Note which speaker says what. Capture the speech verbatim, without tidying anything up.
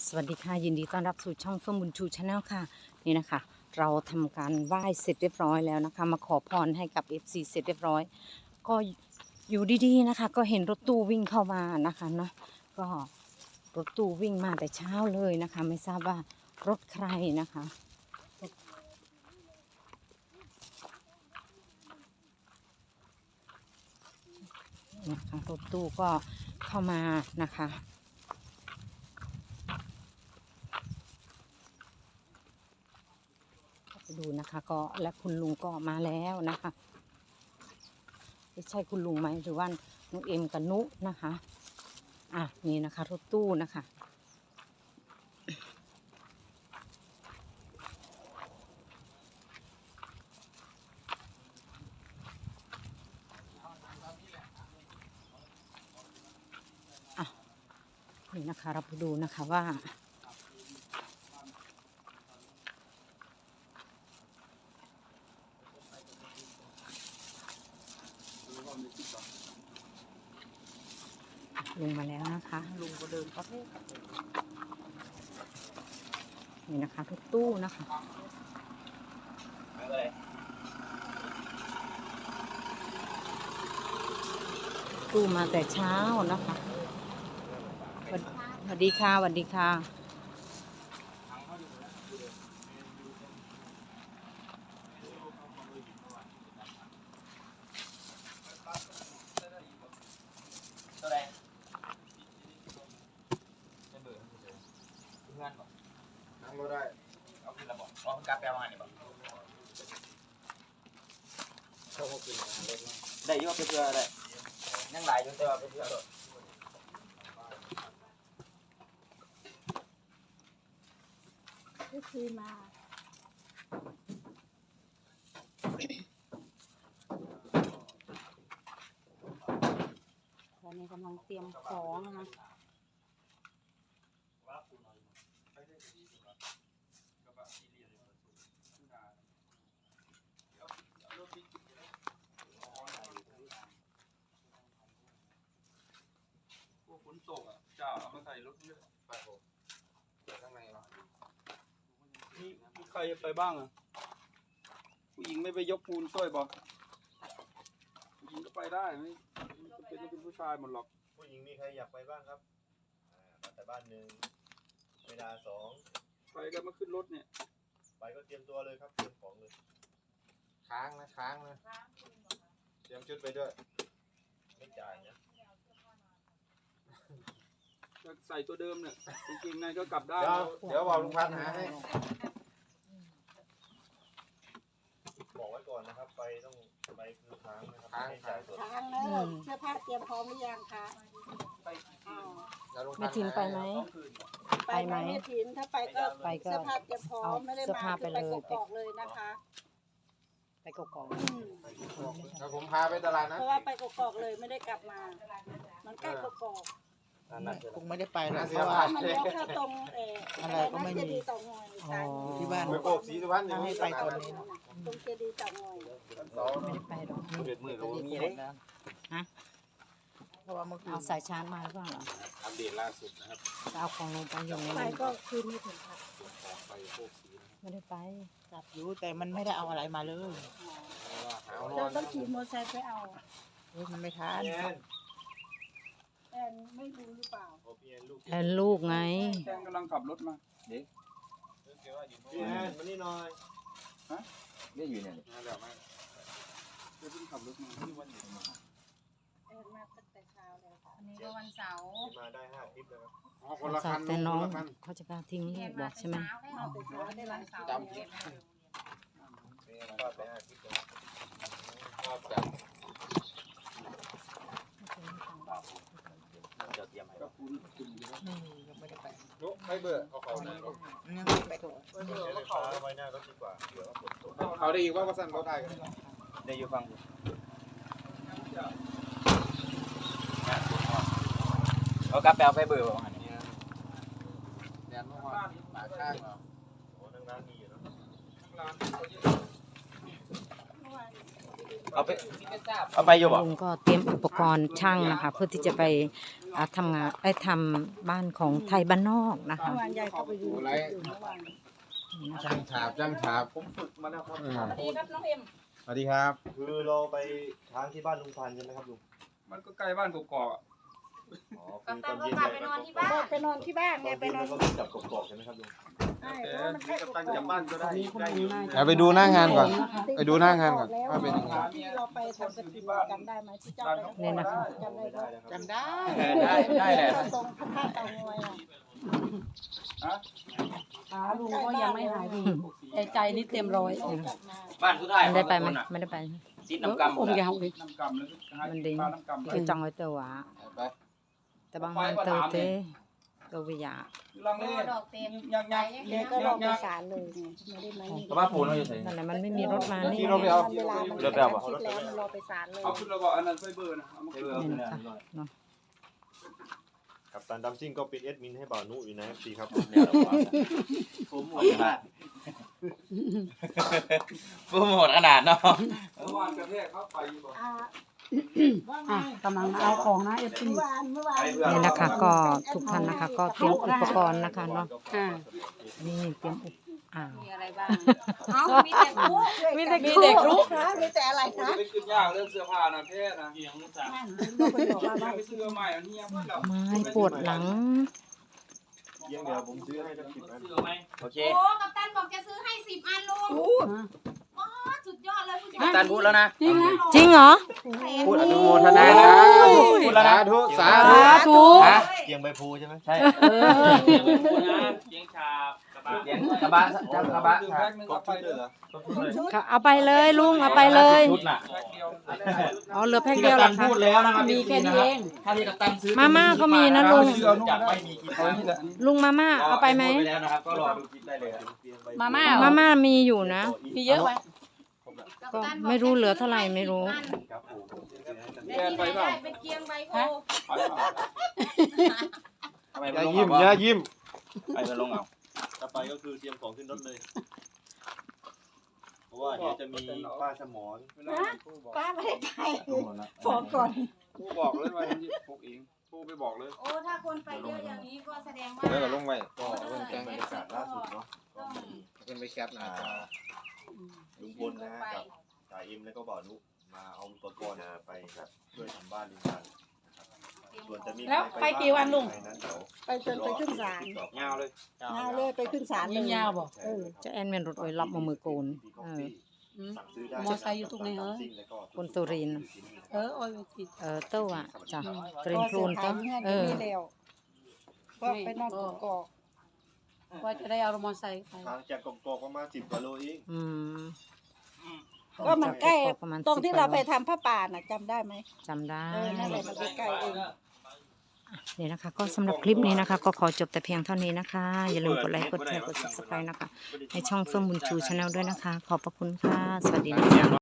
Speaker 1: สวัสดีค่ะยินดีต้อนรับสู่ช่องเฟื่องบุญชูชาแนลค่ะนี่นะคะเราทำการไหว้เสร็จเรียบร้อยแล้วนะคะมาขอพรให้กับ เอฟ ซี เสร็จเรียบร้อยก็อยู่ดีๆนะคะก็เห็นรถตู้วิ่งเข้ามานะคะเนาะก็รถตู้วิ่งมาแต่เช้าเลยนะคะไม่ทราบว่ารถใครนะคะนะคะรถตู้ก็เข้ามานะคะดูนะคะก็และคุณลุงก็มาแล้วนะคะไม่ใช่คุณลุงไหมหรือว่าน้องเอ็มกับนุนะคะอ่ะนี่นะคะรถตู้นะคะอ่ะนี่นะคะเราไปดูนะคะว่าลุงมาแล้วนะคะลุงก็เดินก็นี่นะคะรถตู้นะคะตู้มาแต่เช้านะคะสวัสดีค่ะสวัสดีค่ะ
Speaker 2: นั่งก็ได้เอาขึ้นระบบเพราะมันกลับไปเอามาเนี่ยบอกเขาก็ขึ้นมาเล็กน้อยได้ยกไปเพื่อได้ยังหลายอยู่แต่ว่าไปเพื่อโดด
Speaker 3: ก็คือมาตอนนี้กำลังเตรียมของนะคะ
Speaker 4: พวกฝนตกอ่ะจะเอามาใส่รถเยอะไปผมข้างในเนาะมีมีใครไปบ้างอ่ะผู้หญิงไม่ไปยกปูนช่วยบอกผู้หญิงก็ไปได้ไม่ไม่เป็นต้องเป็นผู้ชายหมดหรอก
Speaker 2: ผู้หญิงมีใครอยากไปบ้างครับมาแต่บ้านหนึ่งเวลาสอง
Speaker 4: ไปก็มาขึ้นรถเนี่ย
Speaker 2: ไปก็เตรียมตัวเลยครับเตรียมของเลยค้างนะค้างนะเตรียมชุดไปด้วยไม่จ่ายนะ
Speaker 4: จะใส่ตัวเดิมเนี่ยจริงๆในก็กลับได้
Speaker 2: เดี๋ยวเดี๋ยวบอกลุงพันธ์หาให้บอกไว้ก่อนนะครับไปต้องไปคือค้างนะครับไม่จ่ายสด
Speaker 3: ทางแล้วเสื้อผ้าเตรียมพร้อมหรือยังคะอ้าว
Speaker 1: แม่ทินไปไหม
Speaker 3: ไปไหมแม่ถินถ้าไปก็
Speaker 1: ไปก็
Speaker 3: เสื้อผ้าเตรียมพร้อมไม่ได้
Speaker 1: เสื้อ
Speaker 3: มา
Speaker 1: ผ้าไป
Speaker 3: คือ
Speaker 1: เล
Speaker 3: ไป
Speaker 1: ย
Speaker 3: กอกๆเลยนะคะ
Speaker 1: ไปกอก
Speaker 3: อืม
Speaker 2: เดี๋ยวผมพาไปตลาดนะ
Speaker 3: เพราะว่าไปกอกๆเลยไม่ได้กลับมา มันใกล้กอก
Speaker 5: คงไม่ได้ไปหรอก
Speaker 2: เสี
Speaker 5: เพ
Speaker 2: ย
Speaker 5: ราะ
Speaker 2: ผ่า
Speaker 5: ว่าน
Speaker 3: ๆมันเลี้ยวเข้าตรงเออ
Speaker 5: อะไรก็ไม่มี
Speaker 3: เจดีย์เต่างอยสาย
Speaker 5: อยู่ที่บ้าน
Speaker 2: ไปโกกสีสุพรรณอยู่
Speaker 5: ให้ไปคนนี้
Speaker 3: ตรงเจดีย์เต่างอย
Speaker 1: ๆไม่ได้ไปหรอก
Speaker 2: เดือดมือ
Speaker 5: จะ
Speaker 2: เรา
Speaker 5: รีบ
Speaker 2: มี
Speaker 5: หม
Speaker 2: เลย
Speaker 5: ดแล้วเพราะว่าเมื่อคืน
Speaker 1: เอาสายชาร์จมาหรือเปล่าเหรอ
Speaker 2: อัปเดตล่าสุดนะครับ
Speaker 1: จะเอาของลงไปอยู่ใน
Speaker 3: ไป
Speaker 1: นั้น
Speaker 3: ก็คืนไม่ถึงค่ะ
Speaker 2: ไปโกกสี
Speaker 1: ไม่ได้ไป
Speaker 5: กลับอยู่แต่มันไม่ได้เอาอะไรมาเลย
Speaker 2: หาวนอ
Speaker 3: เรา
Speaker 2: น
Speaker 3: ต้องขี่มอเตอร์ไซค์ไปเอา
Speaker 5: เฮ้ยมันไม่ทัน
Speaker 2: พี่แอน
Speaker 3: แอนไม่รู้หรือเปล่า
Speaker 2: โอ้พี่แอนลูก
Speaker 1: แทนลูกไง
Speaker 4: แจ้งกำลังขับรถมาเด็ก
Speaker 2: พี่แอนมานี่หน่อย
Speaker 4: นี่อยู่เนี่ย
Speaker 2: มาแล้วมา
Speaker 4: เพิ่งขับรถมาที่วันหยุดมา
Speaker 3: แอนมาตั้งแต่เช้าเลยค่ะ
Speaker 6: วันนี้ก็วันเสาร์
Speaker 2: มาได้ห้าคลิปแล้วครับ
Speaker 4: อ๋อคนละคัน
Speaker 1: แต่น้อง
Speaker 4: คนละคัน
Speaker 1: เขาจะกล้าทิ้งลู
Speaker 6: เรีย
Speaker 1: ก
Speaker 6: น
Speaker 1: บ
Speaker 6: มา
Speaker 1: อก
Speaker 6: แต่
Speaker 1: ใช่ไหม
Speaker 6: เช้าแล้ววันนี้วันเสาร์เรียนมาเร็ว
Speaker 2: พี่แอนก็ไปห้าคลิปแล้วก็จะจะเตรียมให้
Speaker 4: ก็ปูนขึ้นอยู่แล้ว
Speaker 5: ไม่มียังไม่ได้ไป
Speaker 2: ยกให้เบอร์เอาเขาหน่อย
Speaker 5: ยังไม่ไป
Speaker 2: เบอร์ไฟฟ้าไว้หน้ารถดีกว่าเดี๋ยวฝนตก
Speaker 4: เขาได้อีกว่าก็สั่นเขาได้กัน
Speaker 2: ได้อยู่ฟังเอากลับไปเอาไฟเบอร์ประมาณนี้แดนเมื่อวานปากข้างเราโอ้นั่งร้านมีอยู่เนาะ
Speaker 4: ร้านเขาเยอะ
Speaker 3: โอ้
Speaker 2: เอาไปเอาไปอยู่บ่
Speaker 1: ลุงก็เตรียมอุปกรณ์ช่างนะคะ เพื่อที่จะไปอ่าทำงานได้ทำบ้านของไทยบ้านนอกนะคะ
Speaker 3: เมื่อวานยายเข้าไปดู
Speaker 2: อะไร
Speaker 3: อยู่เมื่อวาน
Speaker 2: ช่างฉาบช่างฉาบ
Speaker 4: ผมฝึกมาแล้วครับ
Speaker 2: อืม
Speaker 3: ดีครับน้องเอ็ม
Speaker 2: สวัสดีครับ คือเราไปค้างที่บ้านลุงพันธุ์ใช่ไหมครับลุง
Speaker 4: มันก็ใกล้บ้านกอกๆอ่ะ
Speaker 2: อ๋อ
Speaker 6: กั
Speaker 2: คื
Speaker 6: ป
Speaker 2: อ
Speaker 6: ตั
Speaker 2: ต
Speaker 6: น
Speaker 2: อน
Speaker 6: ก็
Speaker 2: เย็น
Speaker 6: กลับ
Speaker 2: เนี่ย
Speaker 6: ไปนอนที่บ้าน
Speaker 3: ไปนอนที่บ้าน
Speaker 2: ต
Speaker 3: ไง
Speaker 2: อน
Speaker 3: ไป
Speaker 2: เย็น
Speaker 3: นอน
Speaker 2: เราก็จับกบๆใช่ไหมครับลุง
Speaker 3: ใช่
Speaker 4: แต่
Speaker 3: เพราะว่ามันใกล้
Speaker 4: กั
Speaker 3: กั
Speaker 4: บบ ตันกลับบ้านก็ได้ได้อยู่
Speaker 2: เอาไปดูหน้างานก่อน ไปดูหน้างานก่อน
Speaker 3: แล้ว
Speaker 2: ว่าเป็นยังไง
Speaker 3: ที่เราไปทำกระถิ่นจำได้ไหมที่เจ้าไป
Speaker 1: เนี่ยนะคะ
Speaker 3: จำได้
Speaker 2: ไม่ได้
Speaker 3: ไหม
Speaker 2: นะครับ
Speaker 5: จำได้
Speaker 2: ได้ได้แหละ
Speaker 3: ตรงพระธาตุเตางอยน่ะ
Speaker 4: ฮะ
Speaker 7: ขาลุงก็ยังไม่หายดีแต่ใจนี่เต็มร้อย
Speaker 3: กลับมา
Speaker 8: บ้านสุดท้าย
Speaker 1: มันได้ไปไหมไม่ได้ไป
Speaker 8: ติดน้ำกำหม
Speaker 7: อ
Speaker 8: ด
Speaker 7: ม
Speaker 8: แล้ว
Speaker 7: ยาวเลย
Speaker 4: น้ำกำเลยหา
Speaker 1: มัน
Speaker 4: กิ
Speaker 1: ดี
Speaker 4: นปลาน้ำกำไป
Speaker 1: ไปจังไว้เตอหวา
Speaker 2: ไป
Speaker 1: แต่บางมันเตอเตเตอวิยา
Speaker 4: ลังเล
Speaker 6: ดอกเต็ม
Speaker 4: ยักยัก
Speaker 3: แกก็รอประสานเลยไม่ได้ไหม
Speaker 8: แต่ว่าปูนเราอยู่ไหน
Speaker 1: นั่นแหละมันไม่มีรถมานี่
Speaker 2: ที่เราไปเอา
Speaker 3: เวลามัน
Speaker 8: เลือกแล้วเหรอ
Speaker 3: คิดแล้วมันรอไปศาลเลย
Speaker 4: เอาขึ้นระบอกอันนั้นไฟเบอร์นะเอามาขึ้น
Speaker 1: นี่นะคะเนาะ
Speaker 2: กับตันดัมซิ่งก็เป็นเอดมินให้บ่าวนุอยู่นะเอฟซีครับ
Speaker 8: ผมหมดขนาดผมหมดขนาดเนาะ
Speaker 4: เมื่อวานกระแทกเข้าไปอยู่บ่
Speaker 3: อ่าว่าไง
Speaker 7: อ่ะกำลังเอาของนะเอฟซี
Speaker 3: เมื่อวานเมื่อวาน
Speaker 1: นี่นะคะก็ทุกท่านนะคะ ก็เตรียมอุปกรณ์นะคะเนาะ
Speaker 7: อ่า
Speaker 1: นี่เตรียมอุปอ่าว
Speaker 6: มีอะไรบ้าง เอ้ามีแต่คู่
Speaker 3: มีแต่มีแต่รู้นะมีแต่อะไร
Speaker 4: มัน
Speaker 3: นะ
Speaker 4: จะไปขึ้นยากเรื่องเสื้อผ้านะแพทย์นะ
Speaker 3: นั่นลูกไปบอกว่าว่า
Speaker 4: ไปซื้อใหม่อันนี้ยังไม่หลับ
Speaker 1: ไม้ปวดหลัง
Speaker 2: เยี่ยงเดียวผมซื้อให้สักสิบอัน
Speaker 8: โอเค
Speaker 6: โอ้กัปตันบอกจะซื้อให้สิบอันลุงอ๋อสุดยอดเลยผู้ชาย
Speaker 8: ตันพูดแล้วนะ
Speaker 7: จริงนะ
Speaker 1: จริงเหรอ
Speaker 8: พูดอนุโมทนาสาธุพูดแล้วนะ
Speaker 2: สาธุสา
Speaker 1: สา
Speaker 2: ธุ
Speaker 1: ธุ
Speaker 8: ฮะ
Speaker 2: เกียงใบพลูใช่ไหม
Speaker 8: ใช่
Speaker 1: เออ
Speaker 8: เลี้ยงชากระบะเลี้ยงกระบะจับกระบะ
Speaker 4: แพ็คนึง
Speaker 2: คร
Speaker 4: เอา
Speaker 2: บ
Speaker 4: ไป
Speaker 2: ชุด
Speaker 4: เล
Speaker 2: เลย ยเหรอ
Speaker 1: ค่ะเอาไปเลยลุงเอาไปเลย
Speaker 8: ชุดน่ะ
Speaker 4: แพ็คเดียว
Speaker 1: เอาเหลือแพ็ค
Speaker 8: ที่
Speaker 1: เดียว
Speaker 8: กัป
Speaker 1: เหร
Speaker 8: ตั
Speaker 1: อน คะ
Speaker 8: พูดแล้วนะครับ
Speaker 7: มีแค่นี้เอง
Speaker 8: ถ้าที่กัปตันซื้อ
Speaker 1: มาม่าก็มีนะลุง
Speaker 8: จะไม่มีกิน
Speaker 4: เอานี่แหละอันนี้
Speaker 1: ลุงมาม่าเอาไปไหม
Speaker 8: พูดแล้วนะครับก็รอดูคลิปได้เลยครับ
Speaker 7: มาม่า
Speaker 1: มาม่ามีอยู่นะ
Speaker 7: มีเยอะไหม
Speaker 1: ก็ไม่รู้เหลือเท่าไหร่ไม่รู้
Speaker 2: ครับผม
Speaker 6: และที่ไหนได้เป็นเกียงใบโพ
Speaker 4: ไปเปล่า
Speaker 8: ทำไม
Speaker 2: อ
Speaker 8: ไม่
Speaker 2: ย่า
Speaker 8: ลง
Speaker 2: ยิ้ม
Speaker 8: เอา
Speaker 2: อย่ายิ้ม
Speaker 8: ไปไปลงเอา
Speaker 2: ต่อไปก็คือเตรียมของขึ้นรถเลย เพราะว่าเดี๋ยวจะมีป้าสมอน
Speaker 4: เวลาผู้บอก
Speaker 3: ป้าไม่ได้ไป
Speaker 2: ทั้งหมดละ
Speaker 3: ขอก่อน
Speaker 4: ผู้บอกเลยว่าที่พวกเองผู้ไปบอกเลย
Speaker 6: โอ้ถ้าคนไปเยอะอย่างนี้ก็แสดงว่า
Speaker 2: แล้วก็ลงไว้ก็เรื่องแจ้งบรรยากาศล่าสุดเนาะก็มีเป็นไปแคปนะลุงพลนะกับจ่าอิมแล้วก็บ่าวนุมาเอาอุปกรณ์ไปช่วยทำบ้านลุงพันธุ์นะครับส่วนจะมี
Speaker 7: แล้วไปกี่วันลุง
Speaker 2: ใครนั้นเดี๋ยว
Speaker 3: ไปจนไปขึ้นศาล
Speaker 8: เงาเลย
Speaker 3: งานเลยไปขึ้นศาลเลย
Speaker 7: ยิงยาวบอก
Speaker 3: เออ
Speaker 1: จะแอนเมนรถโอยรับมามือโกนเออ
Speaker 2: สั่งซื้อได้
Speaker 7: มอไซค์อยู่ตรงไหนเหรอ
Speaker 1: คนสุรินทร์
Speaker 7: เออโอ้ยไปสิ
Speaker 1: เออเต้าอ่ะจ้ะกรีนโคลน
Speaker 3: ก็
Speaker 1: เต้า
Speaker 3: เสีย
Speaker 1: เอ
Speaker 3: หาย
Speaker 1: อ
Speaker 3: ไปนี่แล้วก็ไปนอนกกอก
Speaker 7: ว่าจะได้เอามอไซค์ไป
Speaker 2: ทางจากกอกๆประมาณสิบกิโลเอง
Speaker 1: อืม
Speaker 3: ก็มันใกล้
Speaker 1: ประมาณ
Speaker 3: ตรงที่
Speaker 1: สิบ
Speaker 3: เราไป
Speaker 1: โล
Speaker 3: ทำผ้าป่าน่ะจำได้ไหม
Speaker 1: จำได้
Speaker 3: เออนั่นแหละมันใกล้ๆเอง
Speaker 1: นี่นะคะ ก็สำหรับคลิปนี้นะคะ ก็ขอจบแต่เพียงเท่านี้นะคะ อย่าลืมกดไลค์กดแชร์กด ซับสไครบ์ นะคะ ในช่องเฟื่องบุญชูชาแนลด้วยนะคะ ขอบพระคุณค่ะ สวัสดีนะคะ